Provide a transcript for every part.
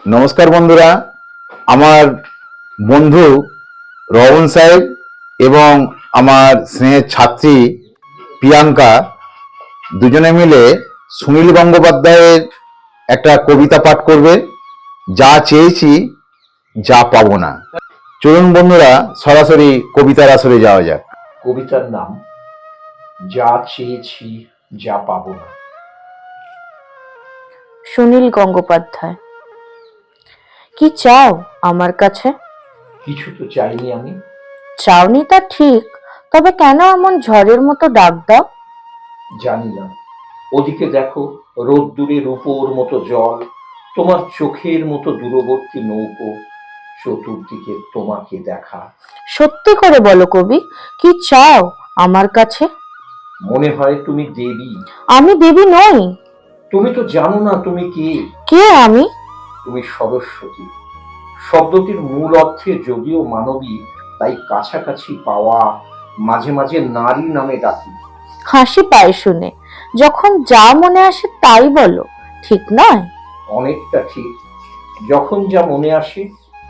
নমস্কার বন্ধুরা, আমার বন্ধু রহন সাহেব এবং আমার স্নেহের ছাত্রী প্রিয়াঙ্কা দুজনে মিলে সুনীল গঙ্গোপাধ্যায়ের একটা কবিতা পাঠ করবে, যা চেয়েছি যা পাবো না। চলুন বন্ধুরা, সরাসরি কবিতার আসরে যাওয়া যাক। কবিতার নাম যা চেয়েছি যা পাবো না। সুনীল গঙ্গোপাধ্যায়। কি চাও আমার কাছে? কিছু তো চাইনি আমি। চাওনি তা ঠিক, তবে কেন এমন ঝড়ের মতো ডাক দাও? জানি না। ওদিকে দেখো, রোদ্দুরে রূপোর মতো জল, তোমার চোখের মতো দূরবর্তী নৌকো, চতুর্দিকে তোমাকে দেখা। সত্যি করে বলো কবি, কি চাও আমার কাছে? মনে হয় তুমি দেবী। আমি দেবী নই। তুমি তো জানো না তুমি কে। কে আমি? তুমি সরস্বতী। শব্দটির মূল অর্থে যদিও মানবী, তাই কাছাকাছি পাওয়া, মাঝে মাঝে নারী নামে ডাকি। হাসি পায় শুনে। যখন যা মনে আসে তাই বলো, ঠিক নয়? অনেকটা ঠিক। যখন যা মনে আসে।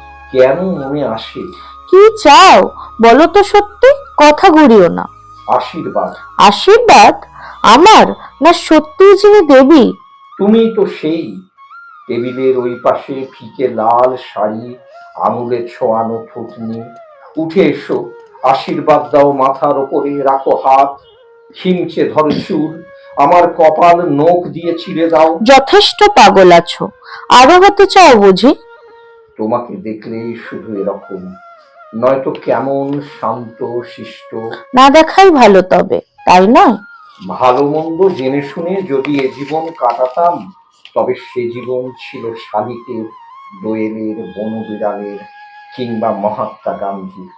কেন মনে আসে? কি চাও বলো তো সত্যি, কথা ঘুরিও না। আশীর্বাদ। আশীর্বাদ? আমার, না সত্যিই যিনি দেবী? তুমি তো সেই। টেবিলের ওই পাশে ফিকে লাল শাড়ি, আঙুলে ছোঁয়ানো থুতনি। উঠে এসো, আশীর্বাদ দাও, মাথার ওপরে রাখো হাত, খিমচে ধরো চুল, আমার কপাল নখ দিয়ে ছিঁড়ে দাও। যথেষ্ট পাগল আছো, আরো হতে চাও বুঝি? তোমাকে দেখলেই শুধু এরকম, নয়তো কেমন শান্ত শিষ্ট। না দেখাই ভালো, তবে তাই নয়? ভালো মন্দ জেনে শুনে যদি এ জীবন কাটাতাম, তবে সে জীবন ছিল শালিকের, দোয়েলের, বনবিড়ালের, কিংবা মহাত্মা গান্ধীর।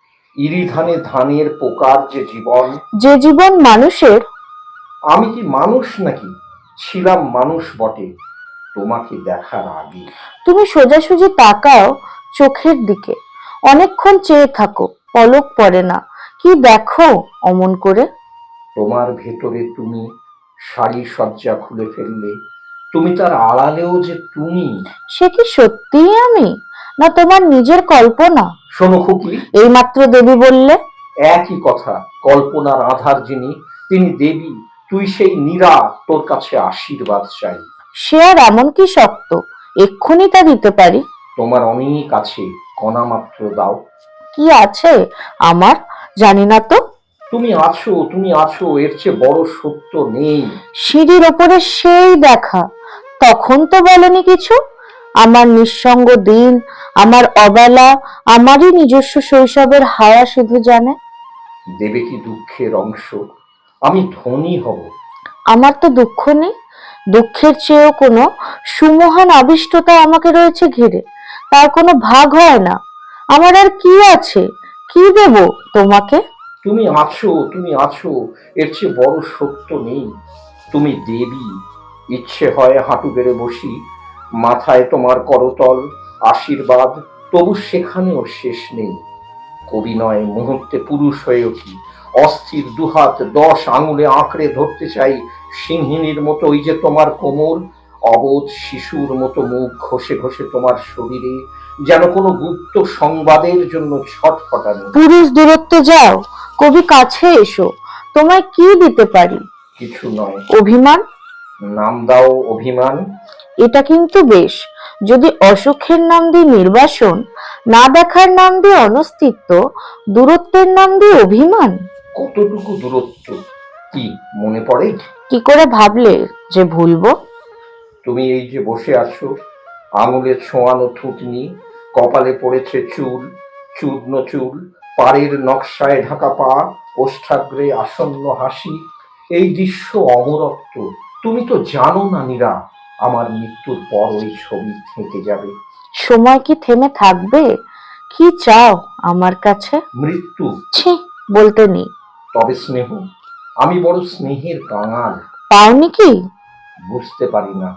ইরি ধানে ধানের পোকার যে জীবন। যে জীবন মানুষের। আমি কি মানুষ নাকি? ছিলাম মানুষ বটে, তোমাকে দেখার আগে। তুমি সোজাসুজি তাকাও চোখের দিকে, অনেকক্ষণ চেয়ে থাকো, পলক পড়ে না। কি দেখো অমন করে? তোমার ভেতরে তুমি, শাড়ি সজ্জা খুলে ফেললে, তুমি তার আড়ালেও যে তুমি। সে কি সত্যিই আমি, না তোমার নিজের কল্পনা? শোনো খুকি, এইমাত্র দেবী বললে। একই কথা। কল্পনার আধার যিনি, তিনি দেবী, তুই সেই নীরা, তোর কাছে আশীর্বাদ চাই। সে আর এমন কি শক্ত, এক্ষুনি তা দিতে পারি। তোমার অনেক আছে, কণা মাত্র দাও। কি আছে আমার, জানি না তো। তুমি আছো, তুমি আছো, এর চেয়ে বড় সত্য নেই। সিঁড়ির ওপরে সেই দেখা, তখন তো বলনি কিছু। আমার নিঃসঙ্গ দিন, আমার অবেলা, আমারই নিজস্ব শৈশবের হায়া শুধু জানে। দেবে কি দুঃখের অংশ? আমি ধনী হব। আমার তো দুঃখ নেই, দুঃখের চেয়েও কোনো সুমহান আবিষ্টতা আমাকে রয়েছে ঘিরে, তার কোনো ভাগ হয় না। আমার আর কি আছে, কি দেব তোমাকে? তুমি আছো, তুমি আছো, এর চেয়ে বড় সত্য নেই। তুমি দেবী। ইচ্ছে হয় হাঁটু গেড়ে বসি, মাথায় তোমার করতল, আশীর্বাদ, তবু সেখানেও শেষ নেই। কবি নয়, মুহূর্তে পুরুষ হয়ে উঠি, অস্থির দুহাত 10 আঙুলে আঁকড়ে ধরতে চাই, সিংহিনীর মতো ওই যে তোমার কোমর, অবোধ শিশুর মতো মুখ ঘষে ঘষে তোমার শরীরে, যেন কোনো গুপ্ত সংবাদের জন্য ছটফটানো। পুরুষ দূরত্বে যাও, কবি কাছে এসো, তোমায় কি দিতে পারি? কিছু নয়। অভিমান? নাম দাও অভিমান। এটা কিন্তু বেশ। যদি অসুখের নাম দিয়ে নির্বাসন, না দেখার নাম দিয়ে অনস্তিত্ব, দূরত্বের নাম দিয়ে অভিমান। কতটুকু দূরত্ব কি মনে পড়ে? কি করে ভাবলে যে ভুলবো? তুমি এই যে বসে আছো, আঙুলে ছোঁয়ানো থুতনি, কপালে পড়েছে চুল, চূর্ণ চুল, পাড়ের নকশায় ঢাকা পা, ওষ্ঠাগ্রে আসন্ন হাসি। এই দৃশ্য অমরত্ব। তুমি তো জানো না নীরা, আমার মৃত্যুর পর ওই ছবি থেকে যাবে। সময় কি থেমে থাকবে? কি চাও আমার কাছে? মৃত্যু। ছি, বলতে নেই। তবে স্নেহ। আমি বড় স্নেহের কাঙাল। পাওনি কি? বুঝতে পারি না।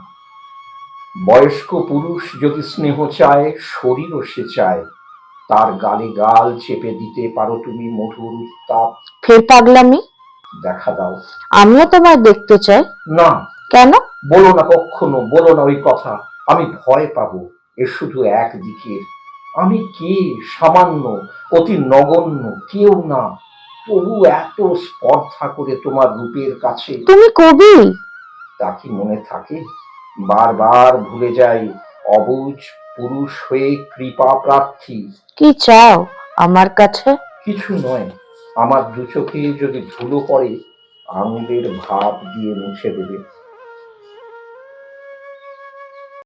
বয়স্ক পুরুষ যদি স্নেহ চায়, শরীরও সে চায়। তার গালে গাল চেপে দিতে পারো তুমি মধুর উত্তাপ। ফের পাগলামি? দেখা দাও। আমিও তোমায় দেখতে চাই। না। কেন? বলো না, কখনো বলো না ওই কথা, আমি ভয় পাবো। এ শুধু একদিকের। আমি কে? সামান্য, অতি নগণ্য, কেউ না, তবু এত স্পর্ধা করে তোমার রূপের কাছে। তুমি কবি? তা কি মনে থাকে? বারবার ভুলে যাই, অবুঝ পুরুষ হয়ে কৃপা প্রার্থী। কি চাও আমার কাছে? কিছু নয়, আমার দু চোখে যদি ধুলো পড়ে, আঙুলের ভাব দিয়ে মুছে দেবে।